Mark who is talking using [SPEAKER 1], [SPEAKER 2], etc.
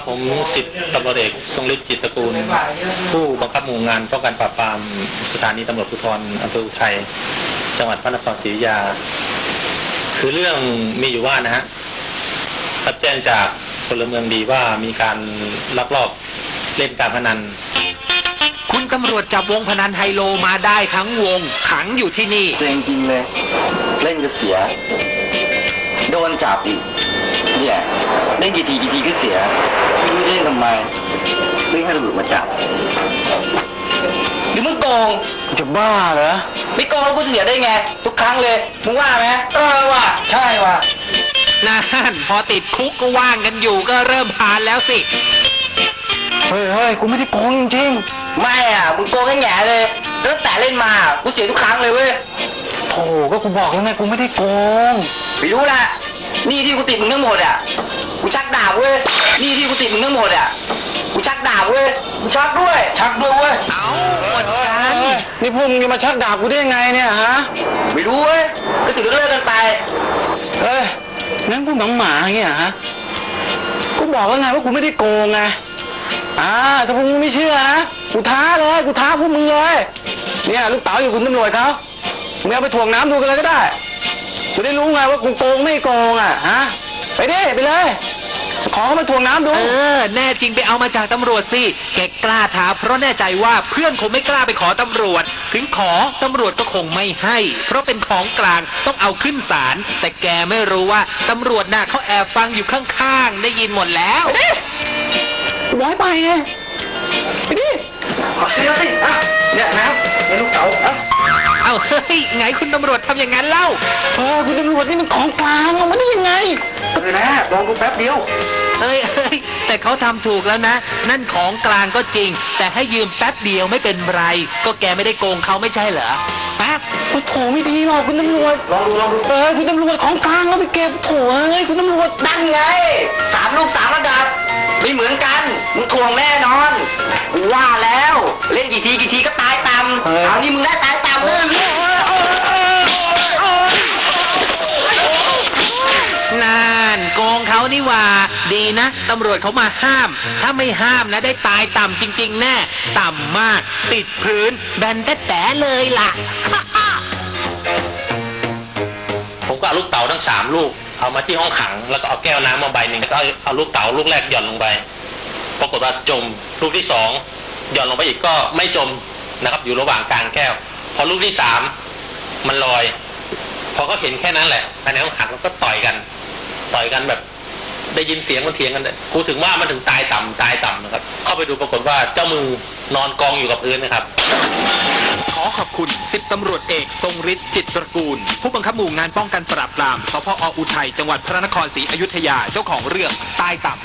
[SPEAKER 1] ผมสิบตำรวจเอกทรงฤทธิ์จิตตระกูลผู้บังคับหมู่งานป้องกันปราบปรามสถานีตำรวจภูธรอำเภออุทัยจังหวัดพระนครศรีอยุธยาคือเรื่องมีอยู่ว่านะฮะรับแจ้งจากพลเมืองดีว่ามีการลักลอบเล่นการพนัน
[SPEAKER 2] คุณตำรวจจับวงพนันไฮโลมาได้ทั้งวงขังอยู่ที่นี่
[SPEAKER 3] เซ็งจริงเลยเล่นก็เสียโดนจับอีกเนี่ยเล่นกี่ทีก็เสียไม่รู้เล่นทำไมเล่นให้ตำรวจมาจับหรือมึงโกงจะบ้าเหรอไม่โกงแล้วกูเสียได้ไงทุกครั้งเลยมึงว่าไหมว่ะใช่ว่ะ
[SPEAKER 2] นั่นพอติดคุกก็ว่างกันอยู่ก็เริ่มพานแล้วสิ
[SPEAKER 3] เฮ้ยกูไม่ได้โกงจริงๆไม่อ่ะมึงโกงแง่เลยตั้งแต่เล่นมากูเสียทุกครั้งเลยเว้ยโธ่ก็กูบอกแล้วไงกูไม่ได้โกงไม่รู้แหละนี่ที่กูติดมึงทั้งหมดอ่ะกูชักดาบเว้ยนี่ที่กูติดมึงทั้งหมดอ่ะกูชักดาบเว้ยกูชักด้วยเว้ย
[SPEAKER 2] เอาหมดกัน
[SPEAKER 3] นี่พวกมึงจะมาชักดาบกูได้ยังไงเนี่ยฮะไม่รู้เว้ยก็ติดเลิกกันไปงั้นกูหมาอย่างเงี้ยฮะกูบอกแล้วไงว่ากูไม่ได้โกงไงถ้าพวกมึงไม่เชื่อนะกูท้าพวกมึงเลยเนี่ยลูกเต๋าอยู่คุณตำรวจเขามึงเอาไปถ่วงน้ำดูกันเลยก็ได้จะได้รู้ไงว่ากูโกงไม่โกงฮะไปเลยขอเขามาถ่วงน้ำดู
[SPEAKER 2] แน่จริงไปเอามาจากตำรวจสิแกกล้าท้าเพราะแน่ใจว่าเพื่อนคงไม่กล้าไปขอตำรวจถึงขอตำรวจก็คงไม่ให้เพราะเป็นของกลางต้องเอาขึ้นศาลแต่แกไม่รู้ว่าตำรวจน่ะเขาแอบฟังอยู่ข้างๆได้ยินหมดแล้ว
[SPEAKER 3] ย้ายไปไงไปดิขอซื้อสิเนี่ยน้ำเนี่ยลูกเต๋า
[SPEAKER 2] เอาเฮ้ยไงคุณตำรวจทำอย่างนั้นเล่า
[SPEAKER 3] คุณตำรวจนี่มันของกลางเอามาได้ยังไงนะลองดูแป๊บเดียว
[SPEAKER 2] แต่เขาทำถูกแล้วนะนั่นของกลางก็จริงแต่ให้ยืมแป๊บเดียวไม่เป็นไรก็แกไม่ได้โกงเขาไม่ใช่เหรอแป๊บ
[SPEAKER 3] โถไม่ดีหรอกคุณตำรวจลองดูคุณตำรวจของกลางเอาไปเก็บโถคุณตำรวจดันไง3 ลูก 3 ระดับไม่เหมือนกันมึงทวงแน่นอนว่าแล้วเล่นกี่ทีก็ตายต่ำเอานี่มึงได้ตายต่ำเลย
[SPEAKER 2] นั่นโกงเขานี่ว่าดีนะตำรวจเขามาห้ามถ้าไม่ห้ามนะได้ตายต่ำจริงๆแน่ต่ำมากติดพื้นแบนแต่เลยล่ะ
[SPEAKER 1] ผมก็เอาลูกเต๋าทั้ง3 ลูกเอามาที่ห้องขังแล้วก็เอาแก้วน้ำมาใบหนึ่งแล้วก็เอาลูกเต๋าลูกแรกหย่อนลงไปปรากฏว่าจมลูกที่2หย่อนลงไปอีกก็ไม่จมนะครับอยู่ระหว่างกลางแก้วพอลูกที่3มันลอยพอก็เห็นแค่นั้นแหละภายในห้องขังแล้วก็ต่อยกันแบบได้ยินเสียงมันเถียงกันกูถึงว่ามันถึงตายต่ำนะครับเข้าไปดูปรากฏว่าเจ้ามือนอนกองอยู่กับพื้นนะครับ
[SPEAKER 2] ขอขอบคุณ10 ตำรวจเอกทรงฤทธิ์จิตตระกูลผู้บังคับหมู่งานป้องกันปราบปรามสพ.อุทัยจังหวัดพระนครศรีอยุธยาเจ้าของเรื่องตายต่ำ